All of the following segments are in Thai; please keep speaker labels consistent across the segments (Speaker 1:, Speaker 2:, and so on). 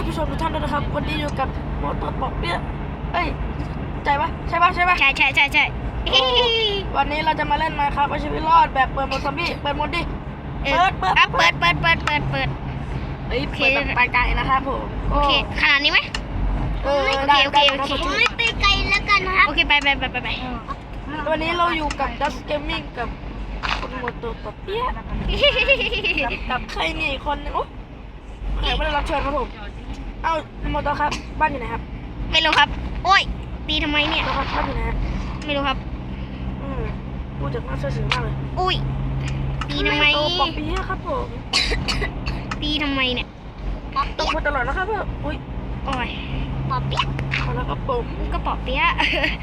Speaker 1: ผู้ชมทุกท่านด้วยนะครับวันนี้อยู่กับโมโตปอกเปี้ยเอ้ยใจปะใช่ปะ
Speaker 2: ใช่
Speaker 1: วันนี้เราจะมาเล่นมาครับเอาชีวิตรอดแบบเปิดโหมดซอมบี้เปิดโหมดดิเปิดเฮ้ยเปิดแบบไปไกลนะครับผม
Speaker 2: โอเคขนาดนี้ไหมโอเค
Speaker 3: ผมไม่ไปไกลแล้วกันนะครับ
Speaker 2: โอเคไป
Speaker 1: วันนี้เราอยู่กับดัสเกมมิ่งกับคุณโมโตปอกเปี้ยกับใครนี่อีกคนนึงโอ้ใครไม่ได้รับเชิญครับผมเอ้าโมโตครับบ้านอยู่ไหนครับ
Speaker 2: ไม่รู้ครับโอ้ยตีทำไมเนี่ย
Speaker 1: ครับบ้านอยู่ไหน
Speaker 2: ไม่รู้ครับ
Speaker 1: พูดจากน่าเชื่อถือมากเลย
Speaker 2: อุ้ยตีทำไม
Speaker 1: ปอกเปี้ยครับผม
Speaker 2: ตีทำไมเนี่ย
Speaker 1: ตกมาตลอดนะครับพ่ออุ้ย
Speaker 2: โอ้ย
Speaker 3: ปอเปี๊ยะ
Speaker 1: แล้วก็ปม
Speaker 2: ก็ปอเปี๊ยะ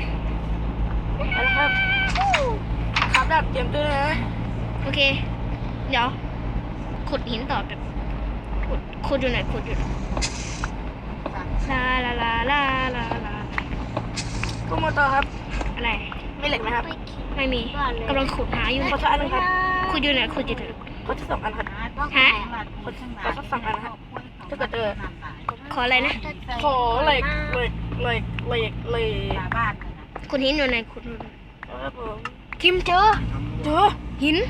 Speaker 1: นะครับครับดับเตรียมตัวนะ
Speaker 2: โอเคเดี๋ยวขุดหินต่อแบบขุดอยู่ไหนลา
Speaker 1: คุณโมโตครับ
Speaker 2: อะไร
Speaker 1: ไม่เหล็กไหมครับ
Speaker 2: ไม่มีกำลังขุดหาอยู่
Speaker 1: ขอสักอันนึงครับ
Speaker 2: ขุดอยู่ไหน
Speaker 1: ขอที่2 อันครับ
Speaker 2: ฮะ
Speaker 1: ขอสัก2 อันครับถ้าเกิด
Speaker 2: ขออะไรนะ
Speaker 1: ขอเหล็ก
Speaker 2: ขุดหินอยู่ไหนขุด
Speaker 1: ผม
Speaker 2: คิมเจอหิน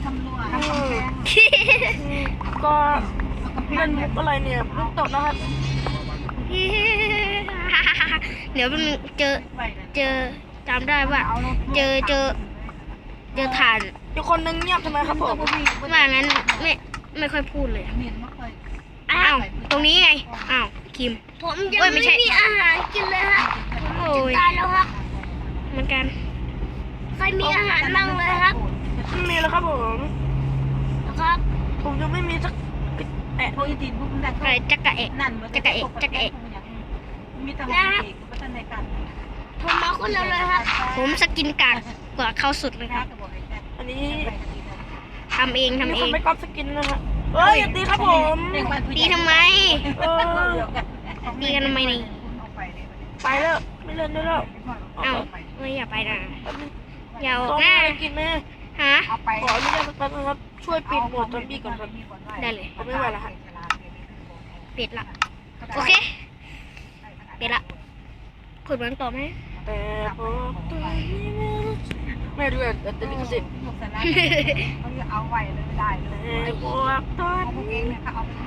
Speaker 1: ก็เล่นมุกอะไรเนี่ยมุกตกนะครับ
Speaker 2: เดี๋ยวมันเจอจำได้ว่าเจอถ่าน
Speaker 1: อยู่คนนึงเงียบทำไมครับผม
Speaker 2: ว่างั้นไม่ค่อยพูดเลยอ้าวตรงนี้ไงอ้าวคิม
Speaker 3: ผมยังไม่มีอาหารกินเลยฮะจะตายแล้วครับ
Speaker 2: เหมือนกัน
Speaker 3: ใครมีอาหารบ้างเลยครับ
Speaker 1: ไม่มีแล้วครับผม
Speaker 3: นะครับ
Speaker 1: ผมยังไม่มีสัก
Speaker 2: อะไรจักระเอก
Speaker 3: นะครับผมมาคนเดียวเลยครับ
Speaker 2: ผมสกินกากกว่าเขาสุดเลยครับ
Speaker 1: อันนี้
Speaker 2: ทำเอง
Speaker 1: ไม่ก๊อปสกินนะฮะเอ้ยอย่าตีครับผม
Speaker 2: ตีทำไมตีกันทำไมนี่
Speaker 1: ไปแล้วไม่เล่นได้แล้ว
Speaker 2: เอ้าไม่อย่าไปนะอย่าออกหน้า
Speaker 1: กินไหม
Speaker 2: ฮะ
Speaker 1: ขออนุญาตสักแป๊บนะครับช่วยปิดโหมดซอมบี้ก่อนครับ
Speaker 2: ได้เลย
Speaker 1: ผมไม่ไหวแล้วฮะ
Speaker 2: ปิดละโอเคปิดละขุดเหมือนต่อไหม
Speaker 1: แต่พอตัวนี้ไม่รู้แต่ติดสิ
Speaker 4: เอาไว้เลยไม่ได้เลย
Speaker 1: แต่พวกตัว
Speaker 4: นี้เนี่ยเขาเอาไป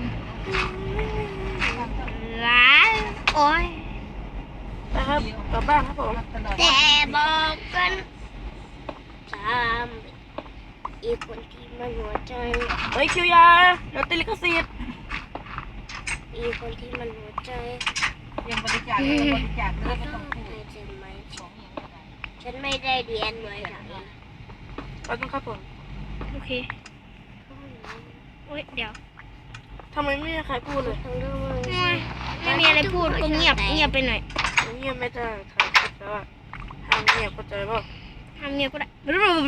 Speaker 2: ล้านโอ้ย
Speaker 1: นะครับกลับบ้านครับผม
Speaker 3: แต่บอกกัน3อีกคนที่มันหัวใจ
Speaker 1: เฮ้ยคิวยาเดี๋ยวติดลิขสิทธิ์
Speaker 3: อีกคนที่มันหัวใจ
Speaker 4: ยังบริจาคเลยไม่ต้องพูด
Speaker 3: ฉันไม่ได้เรียนเลยค่ะ
Speaker 1: เราต้องครับผม
Speaker 2: โอเคโอ้ยเดี๋ยว
Speaker 1: ทำไมไม่มีใครพูดเลย
Speaker 2: ไม่มีอะไรพูดก็เงียบไปหน่อย
Speaker 1: เงียบไม่ได้ครับแต่ว่าห้ามเงียบเข้าใจป่ะ
Speaker 2: ห้ามเงียบก็ได้
Speaker 1: เงียบเถอะ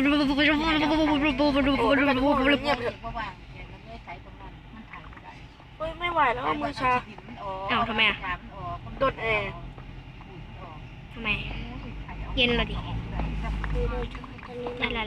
Speaker 1: ไม่ไหวแล้วมือชา
Speaker 2: ทำไมอ่ะ
Speaker 1: โดนแอร์
Speaker 2: ทำไมเย็นเลยดิลา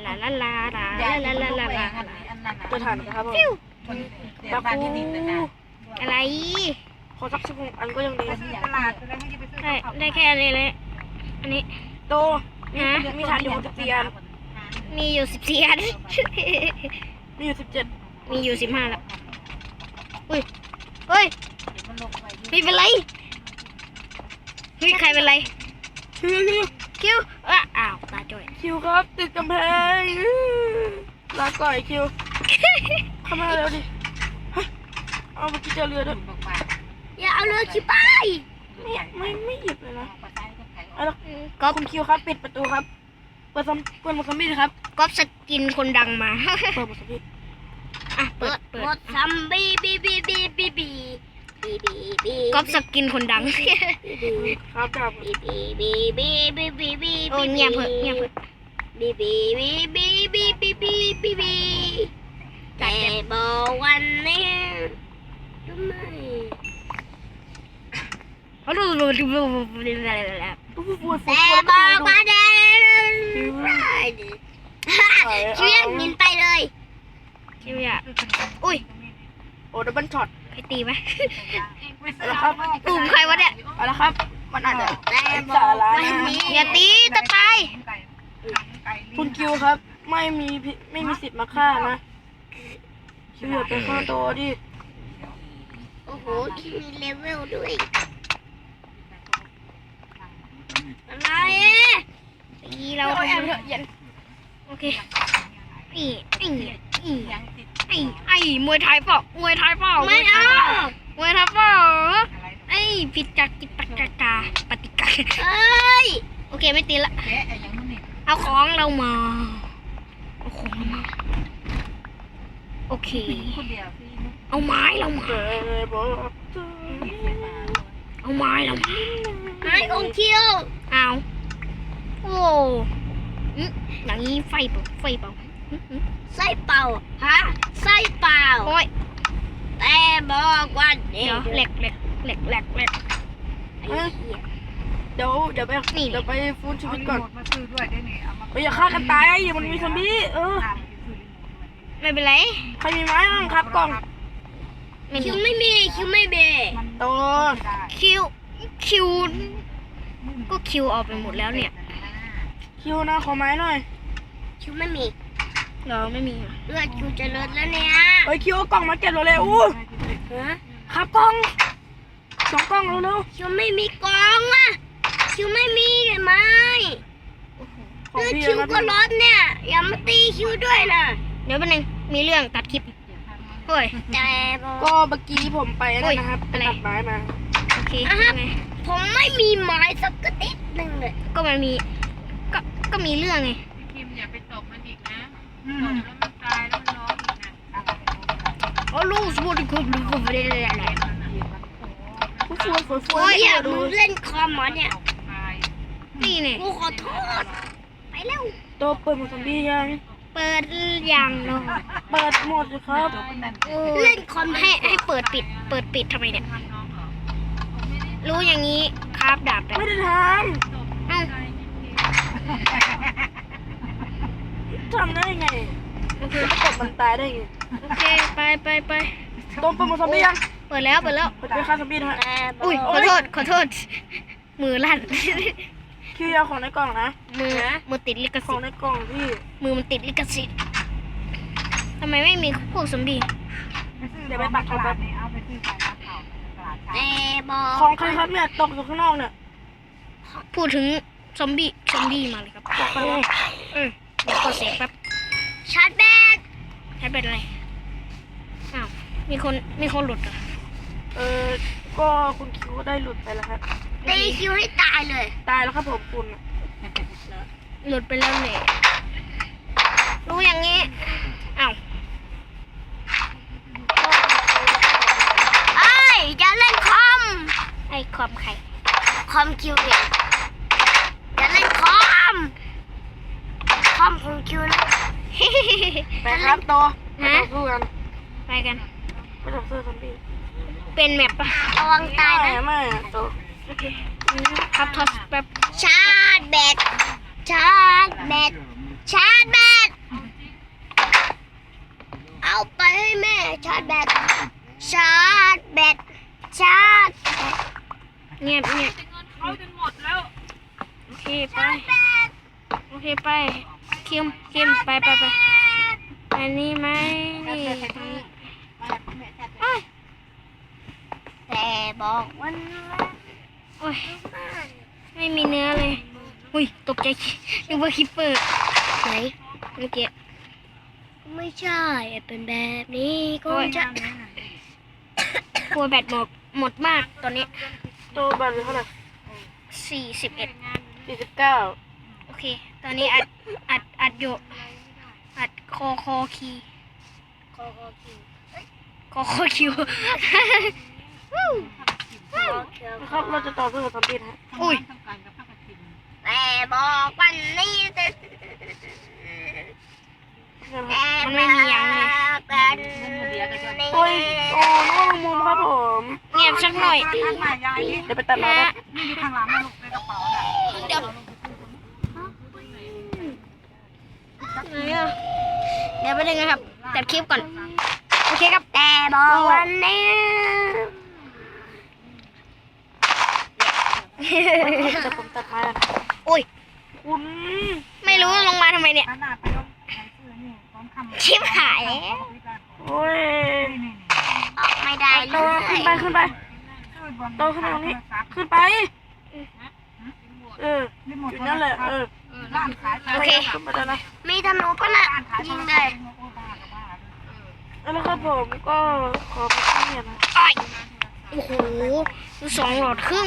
Speaker 1: ตัวถ่านนะครับผมตะปู
Speaker 2: อะไร
Speaker 1: ขอสัก16 อันก็ยังดี
Speaker 2: ได้แค่นี้เลยอันนี้
Speaker 1: โตมีถ่านอยู่14 อัน
Speaker 2: มีอยู่14 อัน
Speaker 1: มีอยู่17
Speaker 2: มีอยู่15แล้วอุ้ยเฮ้ยไม่เป็นไรเฮ้ยใครเป็นไรคิวอ้าวตาจ่อย
Speaker 1: คิวครับติดกำแพงลาก่อยคิวเข้ามาเร็วดิเอาเมื่อกี้เจอเรือด้วย
Speaker 3: อย่าเอาเรือขี้ไป
Speaker 1: ไม่หยิบเลยนะก็คุณคิวครับปิดประตูครับเปิดหมดซอมบี้ครับ
Speaker 2: ก๊อปสกินคนดังมา
Speaker 1: เปิดหมดซอมบี้
Speaker 2: เปิด
Speaker 3: หมดซอมบี้บี
Speaker 2: ก๊อปสกินคนดัง
Speaker 1: ครับครับ
Speaker 2: โอ้เงียบเถอะ
Speaker 3: บีแต่บอกวันนี้ทำไม
Speaker 2: แต่บอกว่าเดิน
Speaker 3: เชี่ยงหินไปเลย
Speaker 2: คิวอยากอุ้ย
Speaker 1: โอ้ดับเบิลช็อต
Speaker 2: ใครตีไหม
Speaker 1: แล้วครับนะครับ มันอาจจะ
Speaker 3: แต่
Speaker 1: ไร้
Speaker 3: บอ
Speaker 1: สาก ระ
Speaker 3: วัน
Speaker 1: นะ
Speaker 3: นี้
Speaker 2: อย่าตีตะตาย
Speaker 1: คุณคิวครับ ไม่มีสิทธิ์มาฆ่านะคิวอย่าไปฆ่าตัวดิ
Speaker 3: โอ้โหที่มีเลเวลด้วยอะไรตีเรา
Speaker 1: เราแอบเถอะเย็น
Speaker 2: โอเคไอ้มวยไทยเปล่ามวยไทยเปล่า
Speaker 3: ไม่เอา
Speaker 2: มวยไทยเปล่าไอ้ผิดจากกิจปฏิกา
Speaker 3: เอ้ย
Speaker 2: โอเคไม่ตีละ
Speaker 4: แกะอย่างนู้นนี่
Speaker 2: เอาของเรามาเอาของเรามาโอเค
Speaker 4: คนเดียวพี่นุ๊ก
Speaker 2: เอาไม้เรามา
Speaker 1: เกิดบอกเธอ
Speaker 2: เอาไม้เรามา
Speaker 3: ไอ้องค์คิว
Speaker 2: เอาโอ้อย่างนี้ไฟเปล่า
Speaker 3: ไส้เป่าฮะไส้เป่า
Speaker 2: โอ้ย
Speaker 3: แต่บอกวันนี้
Speaker 2: เดี๋ยวแหลก
Speaker 3: ไอ้เหี้ย
Speaker 1: เดี๋ยวไป
Speaker 2: นี่
Speaker 1: เดี๋ยวไปฟื้นชี
Speaker 4: เอา
Speaker 1: วิต
Speaker 4: รี
Speaker 1: ก่อน
Speaker 4: โมทมาซื้อด้วยได้เนี่ยเอามา
Speaker 1: เฮ้ยอย่าฆ่ากันตายอย่ามันมีซอมบี้
Speaker 4: ตามไปซื้อรีโมทด้วย
Speaker 2: ไม่เป็นไร
Speaker 1: ใครมีไม้บ้างครับกล่อง
Speaker 2: ไม่
Speaker 3: คิ
Speaker 2: มี
Speaker 3: วไม่มีคิวไม่เบ
Speaker 4: มัน
Speaker 1: โต
Speaker 4: ได้
Speaker 2: คิวก็คิวออกไปหมดแล้วเนี่ย
Speaker 1: คิวนะขอไม้หน่อย
Speaker 3: คิวไม่มี
Speaker 2: เราไม่มีอ่ะ
Speaker 3: เลือดคิวจะลดแล้วเนี่ย
Speaker 1: เฮ้ยคิวเอากล่องมาเก็บเราเลยอู้
Speaker 3: ฮะ
Speaker 1: ครับกล่อง2 กล่องเร็ว
Speaker 3: คิวไม่มีกองอ่ะคิวไม่มีเลยไหม
Speaker 1: ๆของ
Speaker 3: เลือด
Speaker 1: พี่
Speaker 3: คิว
Speaker 1: นะ
Speaker 3: ก็ลดเนี่ยอย่ามาตีคิวด้วยนะ
Speaker 2: เดี๋ยวแป๊บนึงมีเรื่องตัดคลิปเฮ้ย
Speaker 3: แต่บอก
Speaker 1: ก็เมื่อกี้ผมไปนั่นนะครับไป
Speaker 2: อะไร
Speaker 1: ตัดไม้มา
Speaker 2: โอเค
Speaker 3: อ่ะฮะ
Speaker 2: ไง
Speaker 3: ผมไม่มีไม้สักกระติดหนึ่งเลย
Speaker 2: ก็มันมีก็มีเรื่องไง
Speaker 4: คิมอย่าไปตบมันอีกนะตบแล้วมันตายแล้วมันร้องอีกนะ
Speaker 2: โอ้ลูกสมุดคุบลูกคุบอะไรอะไร
Speaker 1: ผู้ช่วยฝน
Speaker 3: โอ้ยอย่ามึงเล่นคอมเหรอเนี่ย
Speaker 2: นี่เนี่ย
Speaker 3: กูขอโทษไปแล้ว
Speaker 1: โตเปิดหมดซอมบี้ยัง
Speaker 2: เปิดอย่างเนาะ
Speaker 1: เปิดหมดเลยครับ
Speaker 3: เล่นคอม
Speaker 2: ให้เปิดปิดทำไมเนี่ยรู้อย่างนี้คราบดาบแบบ
Speaker 1: ไม่ได้ท
Speaker 2: เอ้า
Speaker 1: ำทำได้ไงจะไปกดมันตายได้ไง
Speaker 2: โอเคไป
Speaker 1: โตเปิดหมดซอมบี้ยัง
Speaker 2: เปิดแล้ว
Speaker 1: เปิดไปฆ่าซอมบี้นะฮะ
Speaker 3: แต่บ
Speaker 2: อุ้ย
Speaker 3: อก
Speaker 2: ขอโทษมือลั่น
Speaker 1: คิวยาวของในกล่องนะ
Speaker 2: มือติดลิข
Speaker 1: ข
Speaker 2: สิ
Speaker 1: อง
Speaker 2: ทธิ์
Speaker 1: ในกล่องพี่
Speaker 2: มือมันติดลิขสิทธิ์ทำไมไม่มีพวกซอมบี้
Speaker 1: เดี๋ยวไปปัก
Speaker 4: ต
Speaker 1: เอา
Speaker 4: ลา
Speaker 1: แบ
Speaker 4: ด
Speaker 1: บ
Speaker 4: นี่เอาไปซื้อขายราคาตลาดเช้า
Speaker 3: แต่บอก
Speaker 1: ของใครครับเนี่ยตกอยู่ข้างนอกเนี่ย
Speaker 2: พูดถึงซอมบี้มาเลยครับ
Speaker 1: บอกใครวะ
Speaker 2: เดี๋ยวกดเสียงแป๊บ
Speaker 3: ชาร์จแบต
Speaker 2: ใช้เป็นอะไรอ้าวมีคนหลุดเหรอ
Speaker 1: ก็คุณคิวได้หลุดไปแล้วครับ
Speaker 3: ตีคิวให้ตายเลย
Speaker 1: ตายแล้วครับผมคุณน่ะ
Speaker 2: หลุดไปแล้วเลยรู้อย่างงี้อ้าว
Speaker 3: เอ้ยอย่าเล่นคอม
Speaker 2: ไอ้ความไข่
Speaker 3: คอมคิวเองอย่าเล่นคอมของคิวนะ
Speaker 1: ไปครับโตไม่ต้องสู้กัน
Speaker 2: ไปกัน
Speaker 1: ไม่ต้องสู้ซอมบี้
Speaker 2: เป็นแมปปะ
Speaker 3: ระวังตายนะ
Speaker 1: ไม่อะโต
Speaker 2: ครับทอสแป๊บ
Speaker 3: ชาร์จแบตชาร์จแบตชาร์จแบตเอาไปให้แม่ชาร์จแบตชาร์จแบตชาร์จแบต
Speaker 2: เงียบ
Speaker 4: เขาจนหมดแล้ว
Speaker 2: โอเคไปคิมไปอันนี้ไหมนี่อ้ย
Speaker 3: แต่บอกวันละ
Speaker 2: โอ้ยไม่มีเนื้อเลยอุ้ยตกใจนึกว่าคิปเปอร์ไหนเมื่อกี้
Speaker 3: ไม่ใช่เป็นแบบนี้ก็จะ
Speaker 2: กลัวแบตหมดมากตอนนี้
Speaker 1: โตบัตรเท่าไหร่
Speaker 2: 41
Speaker 1: 49
Speaker 2: โอเค ตอนนี้อัดอยู่อัดคอคีคิว
Speaker 1: นะครับเราจะต่อสู้กับซอมบี้นะฮะ
Speaker 2: อุ้ย
Speaker 4: ต้องการกับผ้ากฐิน
Speaker 3: แต่บอกวันนี้แต่
Speaker 2: มันไม่มีอย่างเลย
Speaker 1: โอ้ยโอ้น้องมุมครับผม
Speaker 2: เงียบสักหน่อย
Speaker 4: ข้างหน้ายายนี่
Speaker 1: เดี๋ยวไปตัดมาแล้ว
Speaker 4: นี่อยู่ข้างหลังนะลูกในกระเป๋าน่ะ
Speaker 2: เดี๋ยวไหนอ่ะเดี๋ยวไปดึงนะครับตัดคลิปก่อน โอเคครับ
Speaker 3: แต่บอกวันนี้
Speaker 1: แต่ผมตัดไม้แล้วนะ
Speaker 2: โอ้ย
Speaker 1: คุณ
Speaker 2: ไม่รู้ลงมาทำไมเนี่ย ชิบหายแล้ว
Speaker 1: โอ้ย
Speaker 3: ออกไม่ได้เล
Speaker 1: โต
Speaker 3: ย
Speaker 1: ขึ้นไปโตขึ้นไปตรงนี้ขึ้นไปอยู่นั่นแหละ
Speaker 2: โอเค
Speaker 1: ขึ้นไปแล้วนะ
Speaker 3: มีธนูปะน่ะยิงเลย
Speaker 1: แล้วครับผมก็ขอไปที่เนี่ยนะ
Speaker 2: อ้อยโอ้โหดู2 หลอดครึ่ง